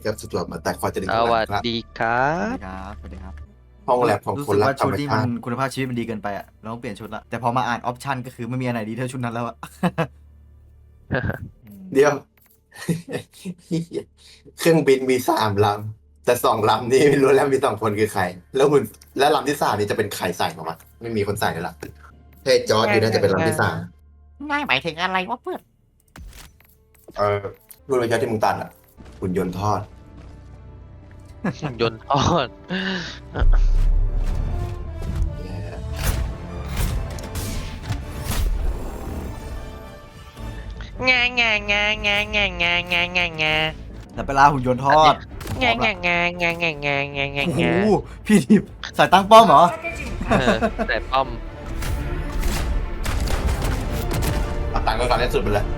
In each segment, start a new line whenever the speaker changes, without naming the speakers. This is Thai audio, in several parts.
ครับสำหรับมาแต่ควาจะได้
ส
ทุก
วั
วัน
ส
ครับ
ดีครั
สวัส
บ
ดีครับสวัสดีครับ
ห้องแลบของ
รู้
คน
สึก
รัก
ว่า
ธร
ชุด
รม
นี้
ชา
มัน
ติ
คุณภาพชีวิตมันดีเกินไปอ่ะเราต้องเปลี่ยนชุดละแต่พอมาอ่านออปชั่นก็คือไม่มีอันไหนดีเท่าชุดนั้นแล้วอ่ะ
เดี๋ยว เครื่องบินมี3 ลำแต่2 ลำนี่ไม่รู้แล้วมี2 คนคือใคร แล้วหุ่นและลำที่3นี่จะเป็นใครใส่ของมันไม่มีคนใส่เลยล่ะเฮ้ยจอร์ดอยู่น่าจะเป็นลำที่3
ง่ายหมายถึงอะไรวะเพื่อน
รุ่นระยะที่มึงตัดอ่ะหุ่นยนต์ทอด
ยนต์ทอด งางางางางางางางางา
แต่เวลาหุ่นยนต์ทอด
งางางางางางางางา
โอ้โห
งา
พี่ดิบใส่ตั้งป้อมเหรอ
แต่ป้อม
เอาตังค์ก็การเล่นสุดไปเลย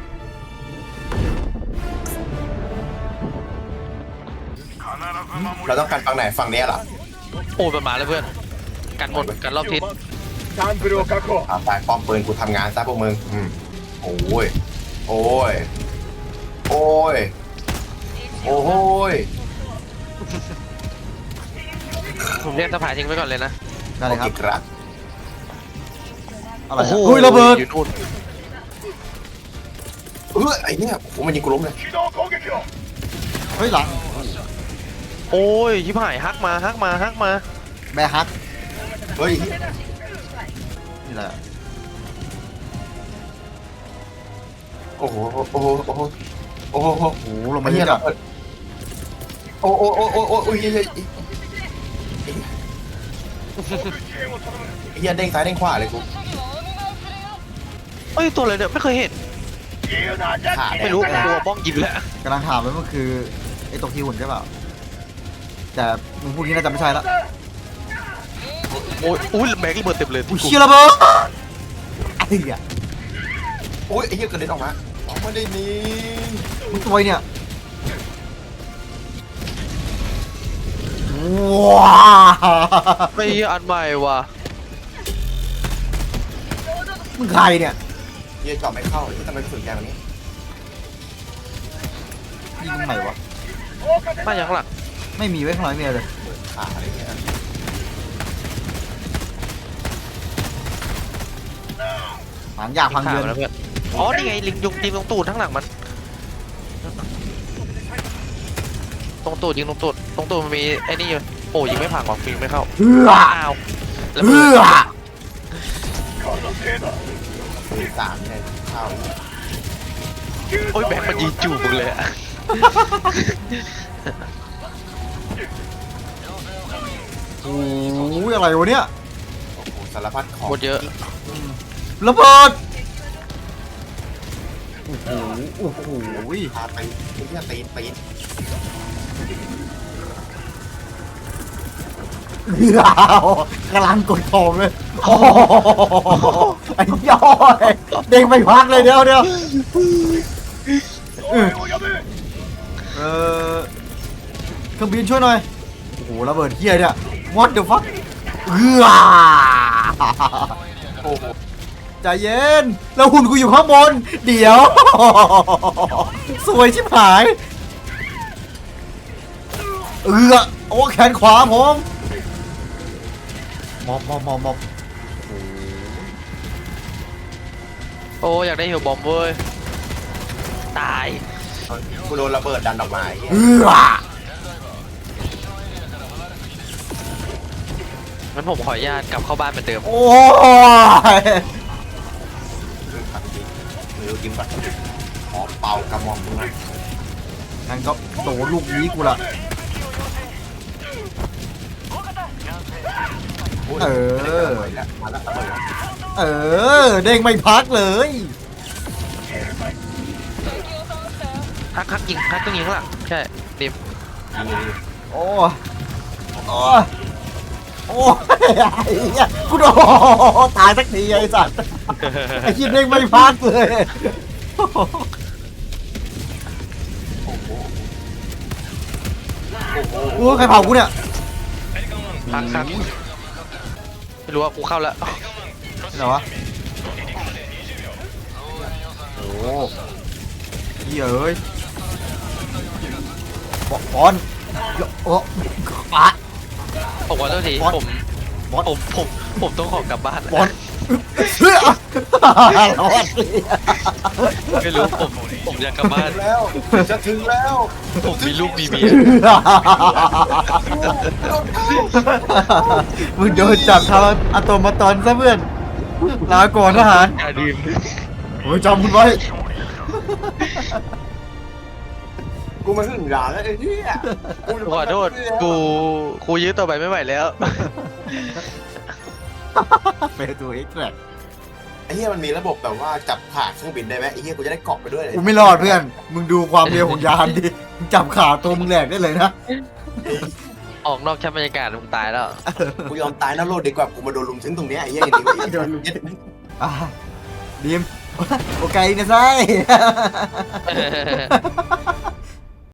เราต้องการฝั่งไหนฝั่งนี้เหรอ
โอ้ยมันมาแล้วเพื่อน กันหมดกันรอบทิศ
ตายป้อมปืนกูทำงานซะพวกมึงโอ้ยโอ้ยโอ้ยโอ้ย
ผมเรียกสะพายทิ้งไว้ก่อนเลยนะ
ได้เลยครับ
โอครับ
อะไรครับอุ้ยระเบิด
อยู่นู่น
ไอ้เนี่ยโอ้มันยิงกูล้มเลย
เฮ้ยหลัง
โอ้ยชิบหายฮักมาฮักมาฮักมา
แบร์ฮัก
เฮ้ย
นี่แหละ
โอ้โหโอ้โหโอ้โหโอ้โห
โอ้โหลงมา
ไอ้
เย
เหี้ย
อะ
ระเบิดโอ้โอ้โอ้โอ้โอ้ยเฮ้ยเฮียเด้งซ้ายเด้งขวาเลยกู
เอ้ยตัวอะไรเนี่ยไม่เคยเห็น
ขา
ไม่รู้กลัวบ้องยิงแล้ว
กำลังถามว่ามันคือไอ้ตกที่หุ่นใช่เปล่าแต่มึงพูดงี้น่าจะไม่ใช่ละ
โอ้ยอุ้ยแม็กระเบิดเต็มเลย
อุ้ยเชี่ยระเบิดไอ้เหี้ย
โอ้ยไอ้เหี้ยกระเด็นออกมาไม่ได้นี่
มึงตัวเนี่ยว้า
ไม่อันใหม่ว่ะ
มึงใครเนี่ย
เหี้ยเจาะไม่เข้าที่ทำไมกระสุนแกแบบนี้
ยิงมึงไหนวะ
มาอย่างหลัง
ไม่มีไว้ข้างหลังไม่มีเลย
ขาอะไรเงี้ย
หางอยากพังเดือน
แล้วเพื่อนอ๋อนี่ไงลิงยุงยิงตรงตูดทั้างหลังมันตรงตูดยิงตรงตูดมันมีไอ้นี่อยู่โอ้ยิงไม่ผ่านหรอกยิงไม่เข้า
เฮือ
อ้าวแล้ว
เฮือ
มี3เนี่ยเข้า
โอ้ยแบงค์มันยิงจูบมึงเลยอะ
โอ้ยอะไรวะเนี่ย
โอ้โหสารพัดของ
หมดเยอะ
ระเบิดโอ้โหโอ้โห
พาไปไอ้เหี้ยตีน
เฮือกำลังกดของเลยโอ้โหไอ้ย่อยเด้งไม่พักเลยเดี๋ยวเออเครื่องบินช่วยหน่อยโอ้โหระเบิดเฮียเนี่ย what the fuck เฮือ
โอ้โห
ใจเย็นแล้วหุ่นกูอยู่ข้างบนเดี๋ยว สวยชิบหายโอ้แขนขวาผมมอบ
โอ้อยากได้เฮลบอมเว้ยตาย
กูโดนระเบิดดันออกมาไอ้เหี้ย
งั้นผมขออนุญาตกลับเข้าบ้านเหมือนเดิม
โอ้ย
ขังจริงหรือกินก่อนขอเป่ากระหม่อมมึงหน่อย
งั้นก็โดนลูกนี้กูละ
มาแล้วระเบิดแล้ว
เด้งไม่พักเลย
ฮักยิงฮักต้องยิงข้างหลังใช่ดิม
โอ้ยโอ้ยไอ้เหี้ยกูโดนตายสักทีไอ้สัตว์ไอ้คิดเด้งไม่พักเลยโอ้ใครเผากูเนี่ย
ฮักไม่รู้ว่ากูเข้าแล้ว
ไหนวะโอ้เหี้ยเอ้ยบอลโอ้ปะ
ผมขอโทษที
บอส
ผม
บอล
ผมต้องขอกลับบ้าน
บอลเสื้อรอด
ไม่รู้ผมอยากกลับบ้าน
แล้วจะถึงแล้ว
ผมมีลูกมีเมีย
มึงโดนจับทำอะโตมาตอนซะเพื่อนลาก่อนทหาร
อย่าดื่ม
โอ้ยจำมึงไว้
กูมาถึงด่านแล้วไอ้เหี้ย
ขอโทษกูยื้อต่อไปไม่ไหวแล้ว
เปตูเอ็กแทรก
ไอ้เหี้ยมันมีระบบแบบว่าจับขาเครื่องบินได้ไหมไอ้เหี้ยกูจะได้เกาะไปด้วยเลย
กูไม่รอดเพื่อน มึงดูความเร็วของยานดิมึงจับขาตัวมึงแหลกได้เลยนะ
ออกนอกชั้นบรรยากาศมึงตายแล้ว
กูยอมตายนะโลดดีกว่ากูมาโดนลุมถึงตรงเนี้ยไอ้เหี้ยอย่างนี้โดนลุมยึด
อ่ะดีมโอเคนะไซ